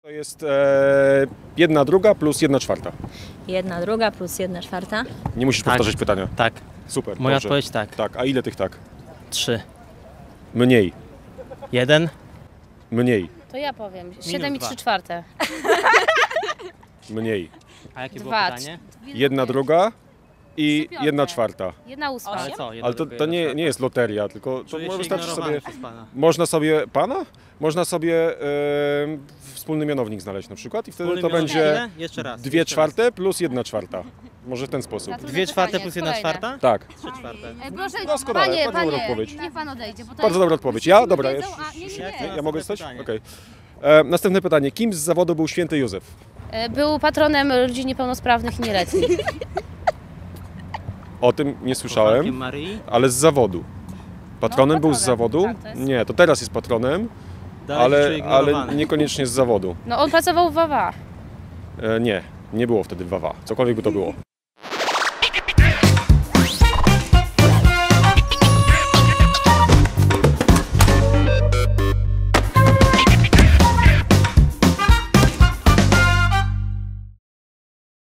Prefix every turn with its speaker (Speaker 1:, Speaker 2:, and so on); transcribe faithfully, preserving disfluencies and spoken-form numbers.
Speaker 1: To jest e, jedna druga plus jedna czwarta.
Speaker 2: Jedna druga plus jedna czwarta.
Speaker 1: Nie musisz
Speaker 3: Tak.
Speaker 1: powtarzać pytania.
Speaker 3: Tak.
Speaker 1: Super.
Speaker 3: Moja
Speaker 1: dobrze.
Speaker 3: odpowiedź tak.
Speaker 1: Tak, a ile tych tak?
Speaker 3: Trzy.
Speaker 1: Mniej.
Speaker 3: Jeden.
Speaker 1: Mniej.
Speaker 4: To ja powiem. siedem i
Speaker 3: dwa.
Speaker 4: trzy czwarte.
Speaker 1: Mniej.
Speaker 3: A jakie było
Speaker 4: Dwa.
Speaker 3: pytanie?
Speaker 1: Jedna druga i
Speaker 4: Trzy piąte.
Speaker 1: jedna czwarta.
Speaker 4: Jedna ósma.
Speaker 3: Ale co? Jedno,
Speaker 1: Ale to,
Speaker 3: drugie,
Speaker 1: to
Speaker 3: jedno,
Speaker 1: nie,
Speaker 3: czwarte.
Speaker 1: nie jest loteria, tylko to
Speaker 3: Czuję się
Speaker 1: wystarczy
Speaker 3: ignorowany
Speaker 1: sobie...
Speaker 3: przez pana.
Speaker 1: Można sobie... Pana? Można sobie e, wspólny mianownik znaleźć na przykład i wtedy
Speaker 3: Wspólny
Speaker 1: to
Speaker 3: mianownik
Speaker 1: będzie
Speaker 3: ile? Jeszcze raz.
Speaker 1: dwie
Speaker 3: jeszcze
Speaker 1: czwarte plus jedna czwarta. Może w ten sposób.
Speaker 4: Na to-
Speaker 3: Dwie czwarte
Speaker 4: pytanie,
Speaker 3: plus jedna
Speaker 4: kolejne.
Speaker 3: czwarta?
Speaker 1: Tak.
Speaker 3: Trzy czwarte.
Speaker 4: E, proszę,
Speaker 1: Doskonale,
Speaker 4: panie,
Speaker 1: bardzo dobra
Speaker 4: panie,
Speaker 1: odpowiedź.
Speaker 4: niech pan odejdzie. Bo to
Speaker 1: Bardzo
Speaker 4: jest-
Speaker 1: dobra odpowiedź. Ja? Dobra.
Speaker 4: Wiedzą,
Speaker 1: Ja,
Speaker 4: a nie, nie,
Speaker 3: Ja chcę
Speaker 4: nie.
Speaker 1: ja mogę stać?
Speaker 3: pytanie.
Speaker 1: Okej. E, Następne pytanie. Kim z zawodu był święty Józef?
Speaker 4: E, Był patronem ludzi niepełnosprawnych i nieletnich.
Speaker 1: O tym nie
Speaker 3: Kochankiem
Speaker 1: słyszałem,
Speaker 3: Maryi?
Speaker 1: ale z zawodu. Patronem
Speaker 4: No,
Speaker 1: był z
Speaker 4: patronem,
Speaker 1: zawodu?
Speaker 4: tak, to jest-
Speaker 1: Nie, to teraz jest patronem,
Speaker 3: Dalej się
Speaker 1: ale,
Speaker 3: czuję
Speaker 1: ale
Speaker 3: ignorowany.
Speaker 1: niekoniecznie z zawodu.
Speaker 4: No on pracował w Wawa.
Speaker 1: E, nie, nie było wtedy w Wawa, cokolwiek by to było.